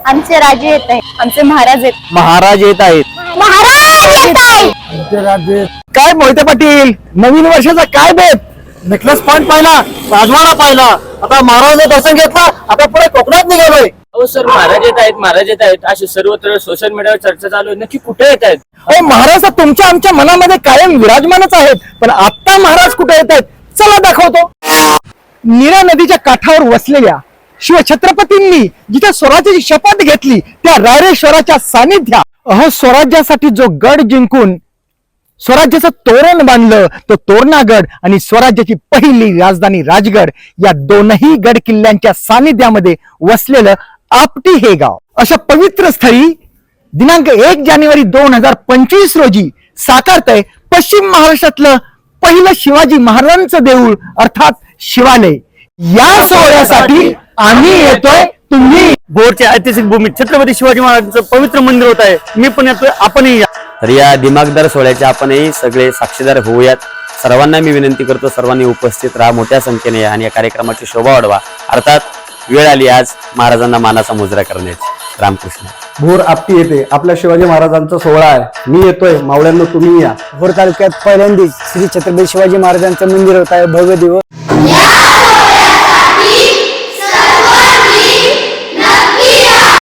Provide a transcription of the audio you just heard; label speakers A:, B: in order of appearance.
A: आमचे राजे येत आहेत, आमचे महाराज येत
B: महाराज येत आहेत.
C: काय मोहिते पाटील, नवीन वर्षाचा काय बेत? नेकलेस पॉइंट पाहिला, राजवाडा पाहिला, आता महाराजांचं दर्शन घेतला, आता पुढे कोकणात निघालोय.
B: हो सर, महाराज येत आहेत अशी सर्वत्र सोशल मीडियावर चर्चा चालू आहे. नक्की कुठे येत आहेत?
C: अहो महाराज तर तुमच्या आमच्या मनामध्ये कायम विराजमानच आहेत, पण आता महाराज कुठे येत आहेत? चला दाखवतो. नीरा नदीच्या काठावर वसलेल्या शिवछत्रपतींनी जिथे स्वराज्याची शपथ घेतली त्या रायरेश्वराच्या सानिध्यात स्वराज्यासाठी जो गड जिंकून स्वराज्याचं तोरण बांधलं तो तोरणागड आणि स्वराज्याची पहिली राजधानी राजगड या दोनही गड किल्ल्यांच्या सानिध्यामध्ये वसलेलं आपटी हे गाव अशा पवित्र स्थळी दिनांक 1 जानेवारी 2025 रोजी साकारतंय पश्चिम महाराष्ट्रातलं पहिलं शिवाजी महाराजांचं देऊळ अर्थात शिवालय. या सोहळ्यासाठी आम्ही येतोय, तुम्ही
D: भोरच्या ऐतिहासिक भूमीत छत्रपती शिवाजी महाराजांचं पवित्र मंदिर होत आहे. मी पण येतोय, आपणही या.
B: तर या दिमागदार सोहळ्याचे आपणही सगळे साक्षीदार होऊयात. सर्वांना मी विनंती करतो, सर्वांनी उपस्थित राहा, मोठ्या संख्येने या आणि या कार्यक्रमाची शोभा वाढवा. अर्थात वेळ आली आज महाराजांना मानाचा मुजरा करण्याची. रामकृष्ण.
E: भोर आपटी येते आपल्या शिवाजी महाराजांचा सोहळा आहे. मी येतोय, मावळ्यांना तुम्ही या.
C: भोर तालुक्यात पहिल्यांदाच श्री छत्रपती शिवाजी महाराजांचं मंदिर होत आहे भव्य दिवस.